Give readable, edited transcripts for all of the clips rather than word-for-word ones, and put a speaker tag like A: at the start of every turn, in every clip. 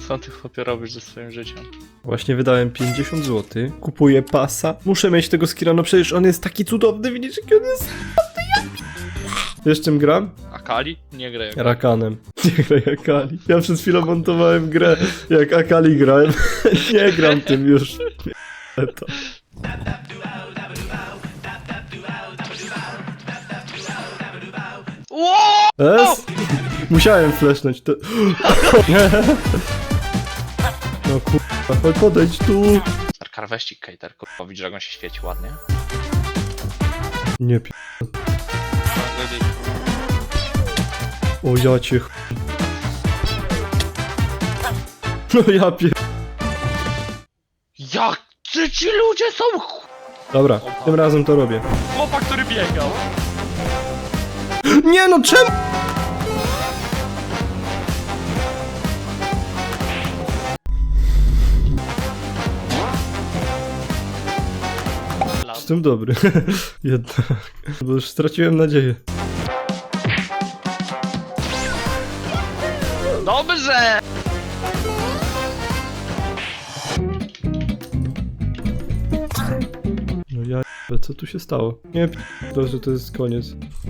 A: Co ty chłopie robisz ze swoim życiem?
B: Właśnie wydałem 50 zł. Kupuję pasa. Muszę mieć tego skilla, no przecież on jest taki cudowny, widzisz jaki on jest? Wiesz czym gram?
A: Akali? Nie graj.
B: Rakanem. Nie graj Akali. Ja przez chwilę montowałem grę, jak Akali grałem. Nie gram tym już. Nie, to. Es? Musiałem flashnąć to. No kurwa, podejdź tu.
A: Starkar weź Kejter, kurwa, widzisz jak on się świeci ładnie?
B: Nie pi... O ja cię ch... No ja pier...
A: Jak ci ludzie są
B: Dobra, tym razem to robię.
A: chłopak, który biegał?
B: Nie no, czemu? Jestem dobry. Jednak. Bo już straciłem nadzieję.
A: Dobrze!
B: No ja... Co tu się stało? Nie p***, że to jest koniec.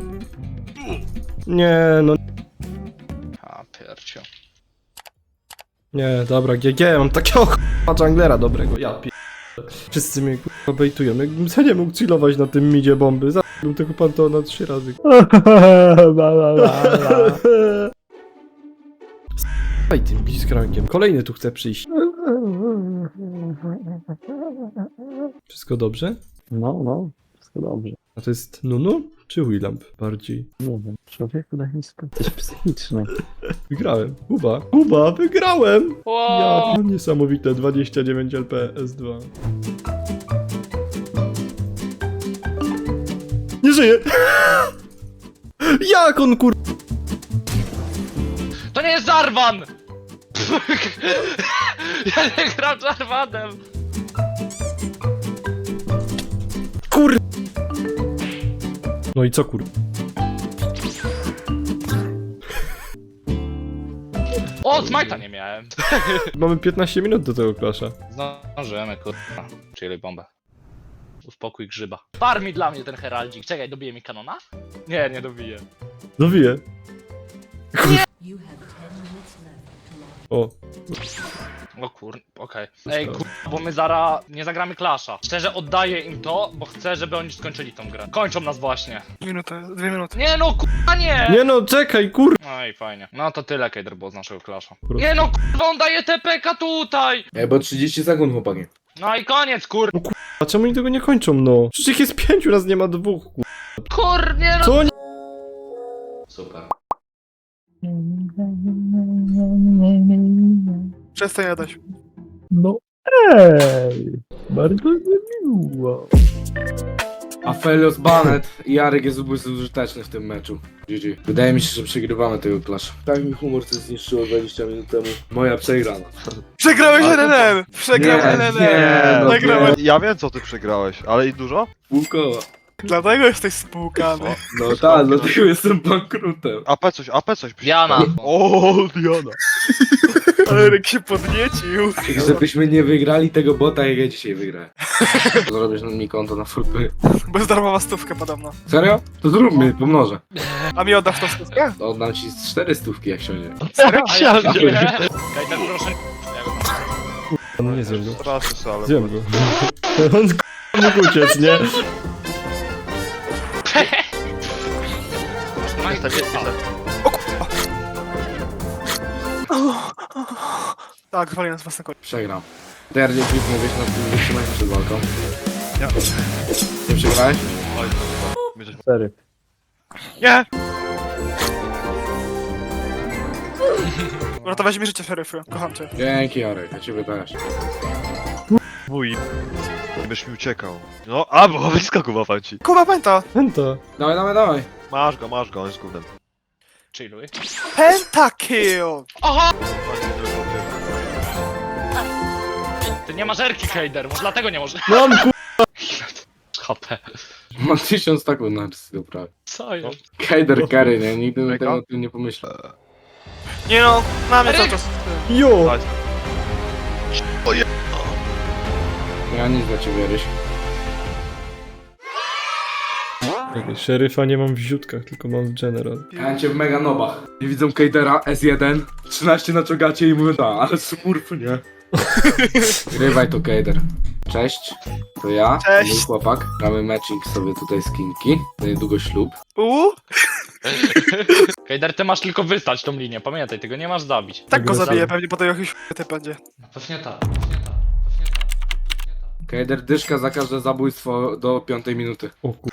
B: Nie no...
A: A piercio.
B: Nie, dobra, GG, mam takiego ch***a junglera dobrego, ja pi... Wszyscy mnie k***a bejtują, jakbym sobie nie mógł chillować na tym midzie bomby, zabił tego Pantona 3 razy. Daj tym blitzcrankiem, kolejny tu chce przyjść. Wszystko dobrze?
C: No, wszystko dobrze.
B: A to jest Nunu czy Willamp bardziej?
C: Nie wiem, człowieku daj mi spokój. Jesteś psychiczny.
B: Wygrałem. Kuba, wygrałem!
A: Wow.
B: Ja, niesamowite, 29 LP S2. Nie żyje! Jak on kur...
A: To nie jest Jarvan! Ja nie gram Jarvanem!
B: Kur... No i co kur...
A: O, Smite'a nie miałem!
B: Mamy 15 minut do tego klasza.
A: Zdążymy, kurwa. Czyli bombę. Uspokój grzyba. Farmi dla mnie ten heraldzik. Czekaj, dobije mi kanona? Nie, nie dobije.
B: Dowiję.
D: You have 10 minutes left to launch.
B: O,
A: O kur... okej. Ej, kur... bo my zara nie zagramy Clasha. Szczerze oddaję im to, bo chcę, żeby oni skończyli tą grę. Kończą nas właśnie.
E: Minutę, 2 minuty.
A: Nie no, kurwa nie!
B: nie no, czekaj, kur...
A: No i fajnie. No to tyle, Kejder, było z naszego Clasha.
B: Kurwa.
A: Nie no, kurwa, on daje TPK tutaj!
F: Ej, bo 30 sekund, chłopaki.
A: No i koniec, kur...
B: A czemu oni tego nie kończą, no? Przecież ich jest 5, nas nie ma 2, kur...
A: Kur... nie no...
B: Co oni...
A: Super.
E: Przestań jadać.
C: No ej, bardzo miło.
F: Aphelios Banet i Jarek jest bezużyteczny w tym meczu. GG. Wydaje mi się, że przegrywamy tego klasza. Tak mi humor co zniszczyło 20 minut temu. Moja przegrana.
E: Przegrałeś LNM! Przegrałem LNM!
F: no
E: Przegrałem.
G: Ja wiem co ty przegrałeś, ale i dużo?
F: Pół koła.
E: Dlatego jesteś spłukany.
F: No tak, dlatego jestem bankrutem.
G: AP coś.
A: Diana.
G: O, Diana.
E: Ale Ryk się podniecił.
F: Żebyśmy nie wygrali tego bota, jak ja dzisiaj wygrałem. Zrobisz mi konto na fullpay.
E: Bezdarmowa stówka podobno.
F: Serio? To zróbmy, pomnożę.
E: A mi oddasz tą stówkę?
F: Oddam ci 4 stówki, jak siądzie.
E: Serio?
A: Kejder, proszę...
B: No nie zjem go.
G: Straszny se, ale...
B: Zjem go. On k***a mógł uciec, nie?
E: Tak, zwali nas własne konie.
F: Przegram. TRD Flip mówisz na tym wytrzymaniu przed walką.
G: Ja.
F: Nie przegrałeś?
C: Sery.
E: Nie! Uratowałeś mi życie, szeryfy. Kocham cię.
F: Dzięki, Jarek, ja ciebie też.
G: Mój. Byś mi uciekał. No, a, bo wyskoku łapam ci.
E: Kuba pęta!
B: Penta.
F: Dawaj.
G: Masz go, on jest gównem.
A: Chilluj.
E: Pentakill!
A: Aha! Ty nie masz erki, Kejder, może dlatego nie możesz...
B: Mam ku...
A: HP.
F: Mam 1000 taków na artystę prawie.
A: Co jest?
F: Kejder Carry, nie? Nigdy bym
G: Mega?
F: tego o tym nie pomyślał.
E: Nie no, na mnie cały czas.
B: Jo!
F: Ja nic dla ciebie, Ryś.
B: Czekaj, szeryfa nie mam w ziutkach, tylko mam w general.
F: Ja cię w mega nobach. I widzą Kejdera S1, 13 na czogacie i mówię, ale smurf, nie? Grywaj to Kejder. Cześć, to ja,
E: Cześć.
F: mój chłopak. Gramy matching sobie tutaj z Kinki. To niedługo ślub.
A: Kejder, ty masz tylko wystać tą linię, pamiętaj, tego nie masz zabić.
E: Tak go
B: Dobra,
E: zabiję, pewnie potem jakiś typ będzie.
A: Pewnie tak.
F: Kejder dyszka za każde zabójstwo do 5 minuty.
B: O kur...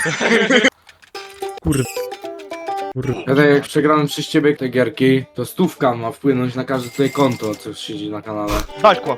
B: Kur... Kur...
F: Kejder, jak przegrałem przez ciebie te gierki, to 100 ma wpłynąć na każde tutaj konto, co siedzi na kanale.
G: Dać kłap.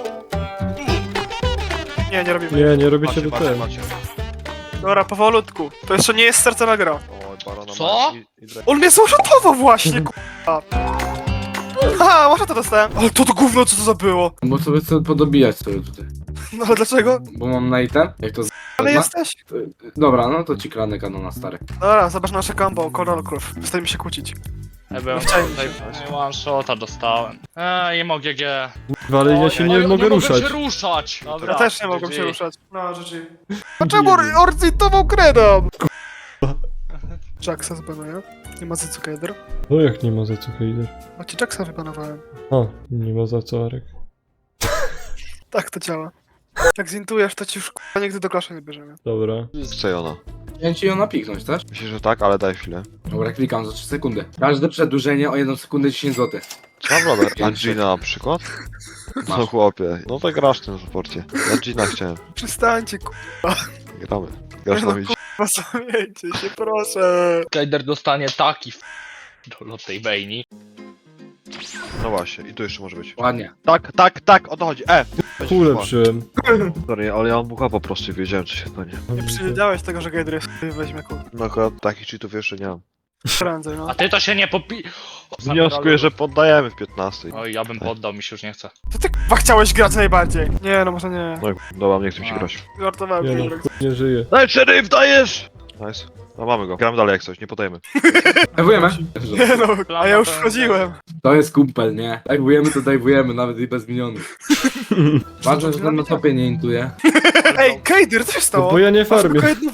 E: Nie robimy.
B: Nie robicie do
G: Macie,
B: ten.
G: macie.
E: Dobra, powolutku. To jeszcze nie jest sercowa gra.
G: Oj, barona
A: Co?
G: ma i drag-
E: On mnie zauszatował właśnie, k***a. Aha, może to dostałem. Ale to gówno, co to za było?
F: Bo sobie chcę podobijać sobie tutaj.
E: No ale dlaczego?
F: Bo mam na item, jak to
E: Ale
F: zna?
E: jesteś.
F: Dobra, no to ci kradnę kanona stary.
E: Dobra, zobacz nasze combo, Coral Crow. Przestańmy się kłócić.
A: Ja byłem
E: Chciałem
A: tutaj, one shota dostałem. Nie mogę G.
B: Kurwa, ale ja się nie mogę ruszać.
A: się ruszać. Dobra,
E: Ja też nie mogłem
A: GG.
E: się ruszać. No, rzeczy. A czemu orcytował kredą? Jacksa zbanuję. Nie ma za co Kejder.
B: No jak nie ma za co Heider?
E: Macie Jacksa wybanowałem.
B: A, nie ma za co Arek.
E: Tak to działa. Jak zintujesz, to ci już k***a nigdy do klasza nie bierzemy.
B: Dobra.
G: Chce ona.
F: Ja ci ją napiknąć, też?
G: Myślę, że tak, ale daj chwilę.
F: Dobra, klikam za 3 sekundy. Każde przedłużenie o 1 sekundę 10 zł.
G: Co mam robić? Angina na przykład? No
F: Masz.
G: chłopie, no to grasz w tym sporcie. Angina chciałem.
E: Przestańcie,
G: Gramy. Grasz na widzicie.
E: k***a, zamieńcie się, proszę.
A: Kejder dostanie taki do tej bejni.
G: No właśnie, i tu jeszcze może być.
F: Ładnie.
G: Tak, o to chodzi.
B: Kulę przyłem.
G: Sorry, ale ja mam bucha po prostu i wiedziałem, co się stanie.
E: Nie przewidziałeś tego, że Kejder jest weźmie kół.
G: No akurat takich cheatów jeszcze nie mam.
E: Prędzej, no.
A: A ty to się nie popi...
G: Wnioskuję, że poddajemy w 15.
A: Oj, ja bym poddał, mi się już nie chce.
E: To ty k***a chciałeś grać najbardziej. Nie, no może nie.
G: No i dobra, nie chcę mi się grać.
E: Żartowałem,
B: Nie no,
E: Kejder.
B: nie żyje.
G: Daj, szeryf, dajesz! Nice. No mamy go. Gramy dalej jak coś, nie podajemy.
F: Dajwujemy.
E: Nie no, a ja już wchodziłem.
F: To jest kumpel, nie? Dajwujemy to dajwujemy, nawet i bez minionów. Ważne, że ten na topie nie intuje.
E: Ej, Kejder, co się
B: No
E: stało?
B: bo ja nie
E: Masz
B: farmię.
E: tylko jedną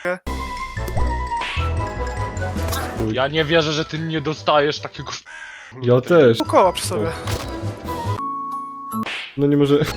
A: Ja nie wierzę, że ty nie dostajesz takiego...
B: Ja też.
E: koła przy sobie.
B: No nie może...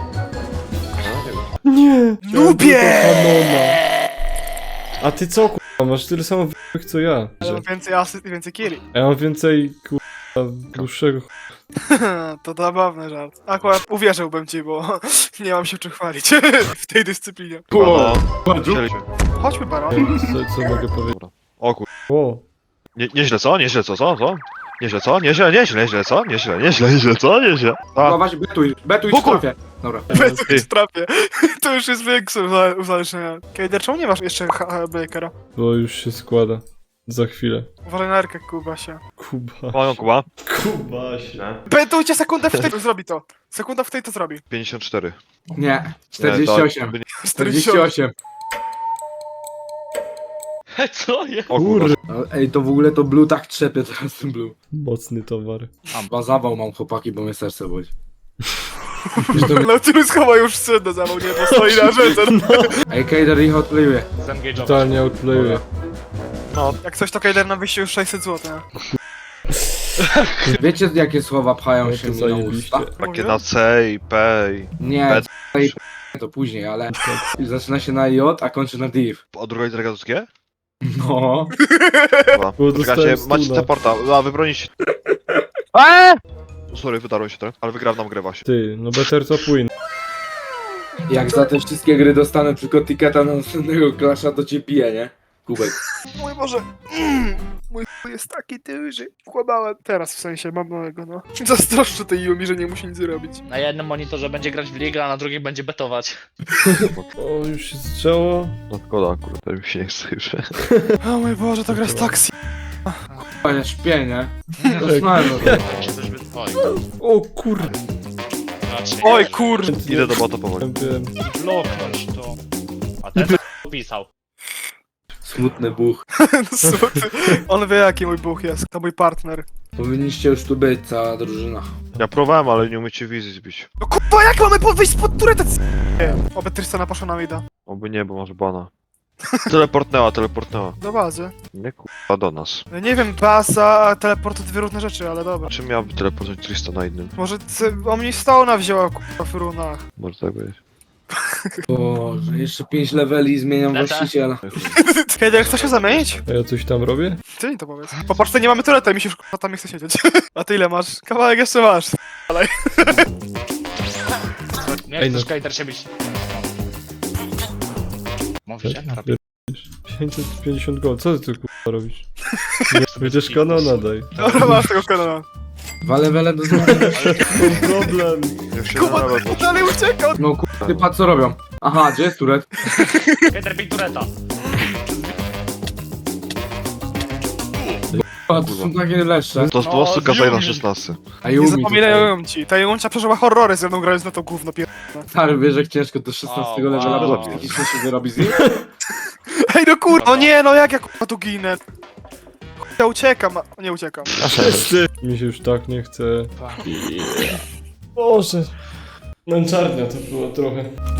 B: Nie!
E: Nubie!
B: Kanona. A ty co kurwa, masz tyle samo w***ych co ja.
E: Ale mam więcej asyst i więcej killi.
B: A ja mam więcej kurwa dłuższego
E: To zabawny żart. Akurat uwierzyłbym ci, bo nie mam się czym chwalić w tej dyscyplinie.
G: No,
F: Ładzu.
G: chcieliśmy.
E: Chodźmy, Baron.
B: co mogę powiedzieć?
G: O kur...
B: O,
G: Nieźle co? Nieźle co? Co? Nieźle co? Nieźle co? Nieźle co? Nieźle. A,
F: Chować, betuj w trafie. Dobra.
E: Bez trafie. To już jest większe uzależnienie. Kejder, czemu nie masz jeszcze Blakera?
B: bo już się składa. Za chwilę.
E: Uważaj na Erkę, Kubasie.
B: Kuba.
G: panią Kuba.
B: Kubasie.
E: Betujcie sekundę w tej, to zrobi to. Sekunda w tej to zrobi.
G: 54.
F: Nie. 48. 48.
A: Co jest?
G: O kurwa.
B: Kur...
F: Ej, to w ogóle to blue tak trzepie teraz ten blue.
B: Mocny towar.
F: Chyba zawał mam chłopaki, bo mnie serce boli.
E: Nautilus chyba już syn zawał, nie? Bo stoi na rzece.
F: Ej, Kejder ich odplayuje.
A: Zengage'ować.
B: Totalnie outplayuje.
E: Jak coś to Kejder na wyjście już 600 zł, nie?
F: Wiecie jakie słowa pchają
B: No
F: się
B: to
F: mi na
B: zajebiście.
F: usta?
G: Takie na C i P i...
F: Nie,
G: P.
F: C i P to później, ale zaczyna się na J, a kończy na div.
G: A druga litera to G?
F: No.
G: Chyba.
B: Bo
G: Czekajcie,
B: dostałem
G: macie
B: stuna.
G: teleporta, a wybronić. Sorry, wydarłem się trochę, ale wygrałem nam grę właśnie.
B: Ty, no better top win.
F: Jak za te wszystkie gry dostanę tylko ticketa na następnego klasza, to cię piję, nie? Kubek.
E: Mój Boże. Mój chuj jest taki duży. Kłamałem. Teraz w sensie, mam małego, no. Zazdroszczę tej Yumi, że nie musi nic robić.
A: Na jednym monitorze będzie grać w ligę, a na drugim będzie betować.
B: O, już się zaczęło.
G: No szkoda, kurde, to mi się nie chce już.
E: O mój Boże, to gra z taksi.
F: A ja śpię, nie?
B: Tak.
F: Zasnąłem no to.
A: Się coś wytwoi.
B: O kurde.
A: Raczej
E: Oj
A: nie.
E: kurde.
G: Idę do bota powoli.
B: Wiem.
A: Bloknąć to. A ten pisał.
F: Smutny buch.
E: On wie jaki mój buch jest. To mój partner.
F: Powinniście już tu być, cała drużyna.
G: Ja próbowałem, ale nie umiecie wizji zbić.
E: No kurwa, jak mamy wyjść spod tureta? Oby Tristana poszła na mida.
G: Oby nie, bo masz bana. Teleportnęła.
E: Do bazy.
G: Nie kurwa do nas.
E: Ja nie wiem, baza, a teleport to dwie różne rzeczy, ale dobra.
G: Czym miałby teleportować 300 na innym?
E: Może Omnistone'a wzięła kurwa w runach.
G: Może tak być.
F: Boże, jeszcze 5 leveli i zmieniam
A: Lecę.
F: właściciela.
E: Kiedy chcesz się zamienić?
B: A ja coś tam robię?
E: Ty mi to powiedz. Po Polsce nie mamy tureta i mi się już kurwa tam nie chce siedzieć. A ty ile masz? Kawałek jeszcze masz.
A: Nie
B: Ej,
A: chcesz
B: no.
A: Kejter się bić. Mówisz, jak robię?
B: 550 gold, co ty tu kurwa robisz? Będziesz kanona daj.
E: Dobra, masz tego kanona.
F: 2 levele do zmiany.
B: Problem.
G: Ja się
E: Kuba,
G: nawet
E: ty dalej uciekał.
F: No kurwa, ty patrz co robią. Aha, gdzie jest turet?
A: Kejter bij tureta.
F: A, to są takie leszcze.
G: To z
A: No,
G: prostu kazaj na
A: Yumi.
G: 16.
F: A
E: Nie
F: Yumi
E: zapominają ci. Ta Juncia przeżyła horrory ze mną grając na to gówno pier...
F: Stary, wiesz jak ciężko to 16
A: O,
F: levela,
G: wow.
F: bo psychicznie się wyrobi z nim?
E: Ej no kurwa, no nie, no jak ja kurwa tu ginę? Ja uciekam, a nie uciekam.
B: Wszyscy! Mi się już tak nie chce. Boże. Męczarnia to było trochę.